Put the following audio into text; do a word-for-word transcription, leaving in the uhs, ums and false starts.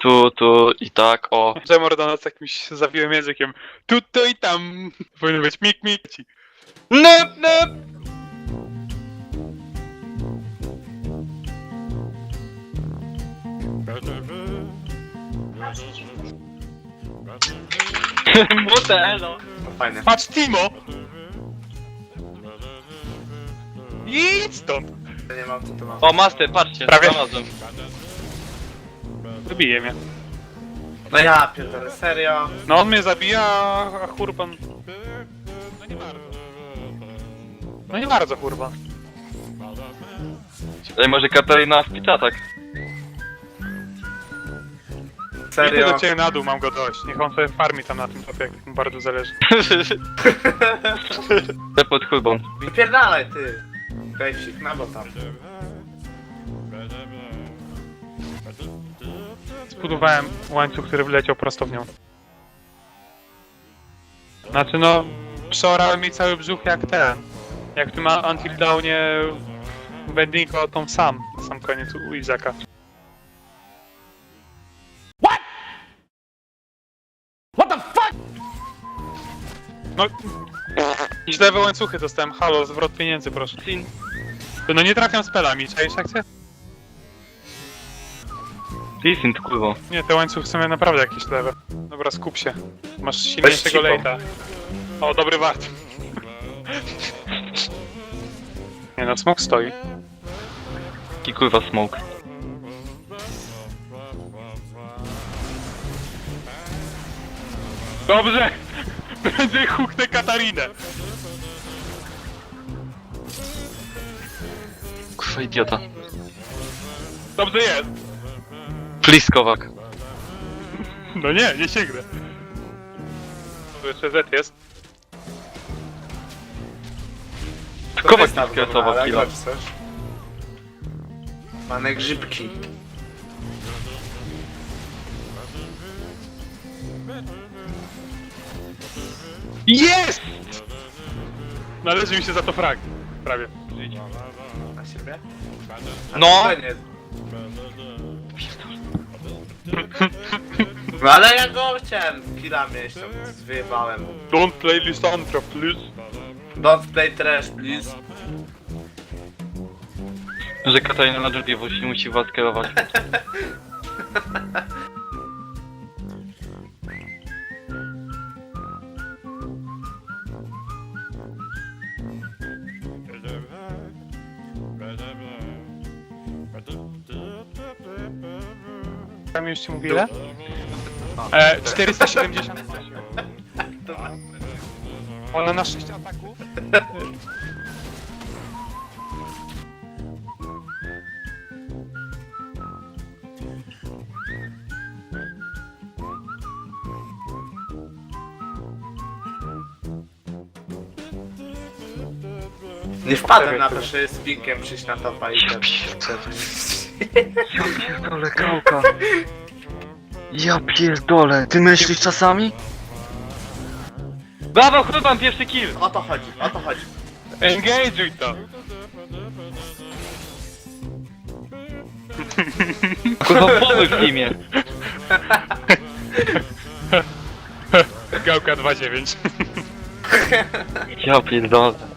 tu, tu i tak, o. Że Mordona z jakimś zawiłym językiem. Tu, tu i tam. Powinno być mik, mik. Nep, nep! Modelo. No fajne. Patrz, Timo! Idź stąd! Nie mam co tu mam. O, master, patrzcie, Prawie. znalazłem. Zabije mnie. No ja pierdolę, serio? No on mnie zabija, a Hurban... No nie bardzo. No nie bardzo, Hurban. Ej, może Katarina w piczatak. Idę Serio? do ciebie na dół, mam go dość. Niech on sobie farmi tam na tym topie, jak mu bardzo zależy. Te pod chulbą. Wypierdalaj ty! Dajcik, na bo tam. Zbudowałem łańcuch, który wleciał prosto w nią. Znaczy no, przeorałem mi cały brzuch jak ten. Jak w tym Until Dawnie Bendingo tą sam, na sam koniec u Izaka. What? What the fuck? No, źle łańcuchy dostałem, halo, zwrot pieniędzy proszę. No nie trafiam spelami, czaisz akcję? Listen, kurwa. Nie, te łańcuchy są naprawdę jakieś lewe. Dobra, skup się. Masz silniejszego Weź lejta. O, dobry wart. Nie no, smok stoi. Jaki kurwa smoke. Dobrze! Prędzej huknę Katarinę. Kurwa idiota. Dobrze jest. Please, Kowak. No nie, nie sięgnę. Tu jeszcze Z jest. Kowak Wystaw nie go, skresował ale killa. jak chcesz? Mamy grzybki. Jest! Należy mi się za to frag. Prawie. Na siebie? A No! spokojnie. No ale ja go chciałem killa mieć, to wyjebałem. Don't play Lissandra, please. Don't play trash, please. Że Katarina na drzwi musi, musi was kierować. Tam już ci mówię ile? E, czterysta siedemdziesiąt. Ona na sześć ataków. Nie wpadłem na to, że jest pinkiem przyjść na topa i ten. Ja pierdolę, Kałka. Ja pierdolę. Ty myślisz czasami? Brawo, Hurban, pierwszy kill! O to chodzi, o to chodzi. Engage'uj to! Kurwa, pomóż w imię. Gałka dwa dziewięć. Ja pierdolę.